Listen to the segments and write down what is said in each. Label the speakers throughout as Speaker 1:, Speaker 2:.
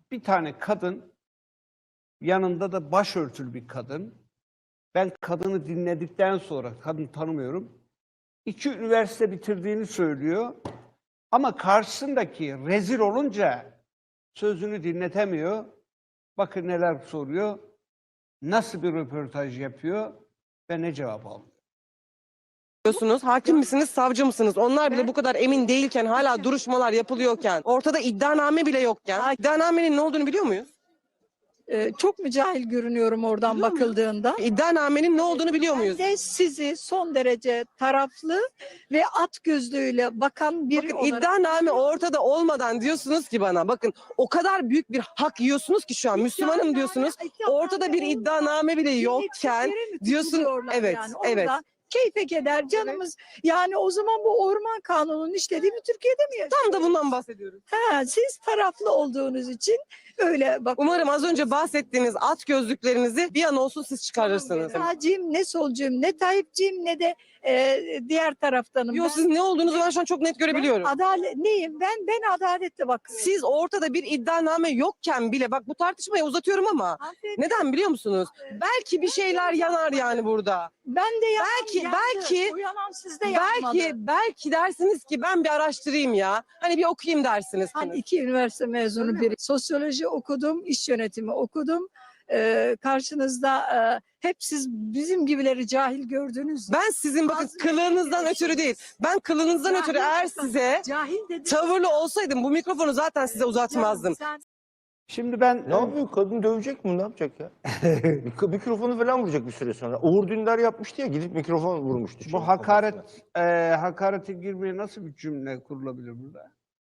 Speaker 1: Bir tane kadın, yanında da başörtülü bir kadın. Ben kadını dinledikten sonra, kadını tanımıyorum, 2 üniversite bitirdiğini söylüyor. Ama karşısındaki rezil olunca sözünü dinletemiyor. Bakın neler soruyor, nasıl bir röportaj yapıyor ve ne cevap alıyor.
Speaker 2: Diyorsunuz, hakim misiniz, savcı mısınız? Onlar bile bu kadar emin değilken, hala duruşmalar yapılıyorken, ortada iddianame bile yokken, iddianamenin ne olduğunu biliyor muyuz?
Speaker 3: Çok mu cahil görünüyorum oradan
Speaker 2: Biliyor muyuz?
Speaker 3: bakıldığında?
Speaker 2: İddianamenin ne olduğunu biliyor muyuz?
Speaker 3: Ben de sizi son derece taraflı ve at gözlüğüyle bakan biri
Speaker 2: Bakın
Speaker 3: olarak...
Speaker 2: iddianame ortada olmadan diyorsunuz ki bana, bakın o kadar büyük bir hak yiyorsunuz ki şu an, Müslümanım diyorsunuz, ortada bir iddianame bile yokken diyorsun, evet,
Speaker 3: yani.
Speaker 2: evet.
Speaker 3: Orada keyfe keder canımız. Yani o zaman bu orman kanununun işlediğini Türkiye'de mi yaşıyoruz?
Speaker 2: Tam da bundan bahsediyoruz.
Speaker 3: Siz taraflı olduğunuz için öyle bak.
Speaker 2: Umarım az önce bahsettiğiniz at gözlüklerinizi bir an olsun siz çıkarırsınız.
Speaker 3: Sağcıyım, ne solcuyum, ne Tayyipçiyim, ne de diğer taraftanım.
Speaker 2: Yok, siz ne olduğunuzu ben şu an çok net görebiliyorum.
Speaker 3: Adalet neyim? Ben adaletle bakıyorum.
Speaker 2: Siz ortada bir iddianame yokken bile, bak bu tartışmayı uzatıyorum ama
Speaker 3: Hanımefendi,
Speaker 2: neden biliyor musunuz? Belki bir şeyler yanar yani burada.
Speaker 3: ben de
Speaker 2: Belki
Speaker 3: uyanan sizde yanmadı.
Speaker 2: belki dersiniz ki ben bir araştırayım ya. Hani bir okuyayım dersiniz.
Speaker 3: Ben 2 üniversite mezunu biri. Sosyoloji okudum, iş yönetimi okudum. Karşınızda hep siz bizim gibileri cahil gördünüz.
Speaker 2: Ben sizin bakın kılığınızdan ötürü değil. Ben kılığınızdan ötürü eğer size
Speaker 3: cahil dedim.
Speaker 2: tavırlı olsaydım bu mikrofonu zaten size uzatmazdım.
Speaker 1: Şimdi ben
Speaker 4: Ne yapıyor? Kadın dövecek mi? Ne yapacak ya? Mikrofonu falan vuracak bir süre sonra. Uğur Dündar yapmıştı ya, gidip mikrofon vurmuştu.
Speaker 1: bu
Speaker 4: çocuğun
Speaker 1: hakaret
Speaker 4: kafasına.
Speaker 1: hakarete girmeye nasıl bir cümle kurulabilir burada?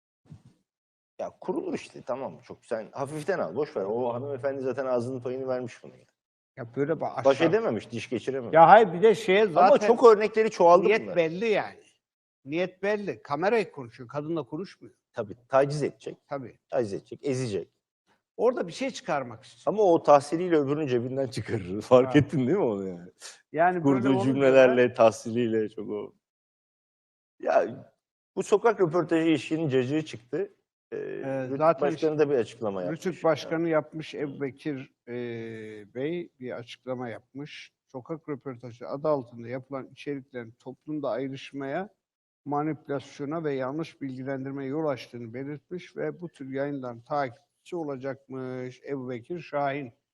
Speaker 4: Ya kurulur işte, tamam, çok sen hafiften al, boş ver. O hanımefendi zaten ağzının payını vermiş bunu ya.
Speaker 1: Ya böyle
Speaker 4: Baş edememiş, diş geçirememiş.
Speaker 1: Ya hayır, bir de şeye zaten
Speaker 4: Ama çok örnekleri çoğaldı
Speaker 1: niyet
Speaker 4: bunlar.
Speaker 1: belli yani. Niyet belli. Kamerayı konuşuyor, kadınla konuşmuyor.
Speaker 4: Tabii taciz edecek,
Speaker 1: Tabii.
Speaker 4: taciz edecek, ezecek.
Speaker 1: Orada bir şey çıkarmak istiyor.
Speaker 4: Ama o tahsiliyle öbürünün cebinden çıkarır. Fark
Speaker 1: Ha.
Speaker 4: ettin değil mi onu yani?
Speaker 1: Yani böyle
Speaker 4: Kurduğu
Speaker 1: olunca
Speaker 4: cümlelerle, tahsiliyle çok o. Ya bu sokak röportajı işinin cacığı çıktı. Rütük
Speaker 1: zaten
Speaker 4: Başkanı da bir açıklama yapmış.
Speaker 1: Rütük Başkanı yapmış, Ebubekir Bey bir açıklama yapmış. Sokak röportajı adı altında yapılan içeriklerin toplumda ayrışmaya, manipülasyona ve yanlış bilgilendirmeye yol açtığını belirtmiş ve bu tür yayınların takipçisi olacakmış Ebubekir Şahin.